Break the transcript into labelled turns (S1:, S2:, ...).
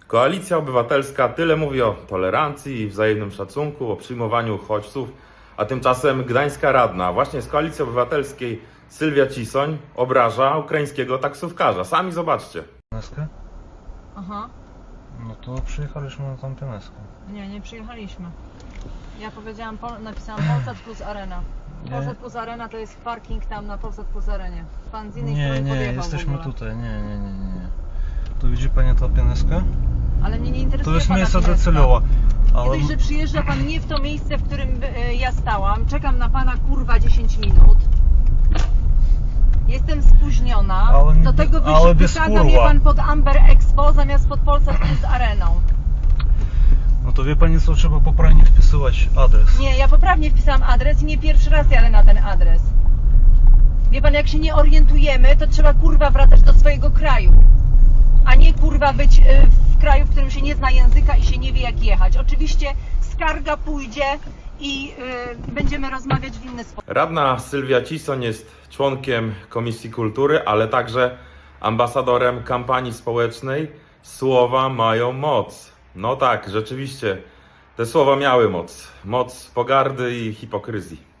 S1: Koalicja Obywatelska tyle mówi o tolerancji i wzajemnym szacunku, o przyjmowaniu uchodźców, a tymczasem gdańska radna właśnie z Koalicji Obywatelskiej Sylwia Cisoń obraża ukraińskiego taksówkarza. Sami zobaczcie.
S2: Pieneskę?
S3: Aha.
S2: No to przyjechaliśmy na tą Pieneskę.
S3: Nie przyjechaliśmy. Ja powiedziałam, napisałam Polsat plus Arena.
S2: Nie.
S3: Polsat plus Arena to jest parking tam na Polsat plus Arenie. Pan z innej
S2: Nie,
S3: strony
S2: nie,
S3: podjechał
S2: jesteśmy
S3: w ogóle.
S2: tutaj. Nie. Tu widzi Pani tą Pieneskę?
S3: Ale mnie nie interesuje
S2: To jest
S3: pana
S2: miejsce
S3: Pieneska.
S2: docelowe.
S3: Nie
S2: Ale
S3: dość, że przyjeżdża pan nie w to miejsce, w którym ja stałam. Czekam na pana kurwa 10 minut. Jestem spóźniona.
S2: Ale nie-
S3: Do tego
S2: ale bez
S3: wysadza mnie
S2: kurwa.
S3: pan pod Amber Expo zamiast pod Polsat plus Areną.
S2: no to wie Pani co, trzeba poprawnie wpisywać adres.
S3: Nie, ja poprawnie wpisałam adres i nie pierwszy raz jadę na ten adres. Wie pan, jak się nie orientujemy, to trzeba kurwa wracać do swojego kraju. A nie kurwa być w kraju, w którym się nie zna języka i się nie wie jak jechać. Oczywiście skarga pójdzie i będziemy rozmawiać w inny sposób.
S1: Radna Sylwia Cisoń jest członkiem Komisji Kultury, ale także ambasadorem kampanii społecznej Słowa mają moc. No tak, rzeczywiście, te słowa miały moc. Moc pogardy i hipokryzji.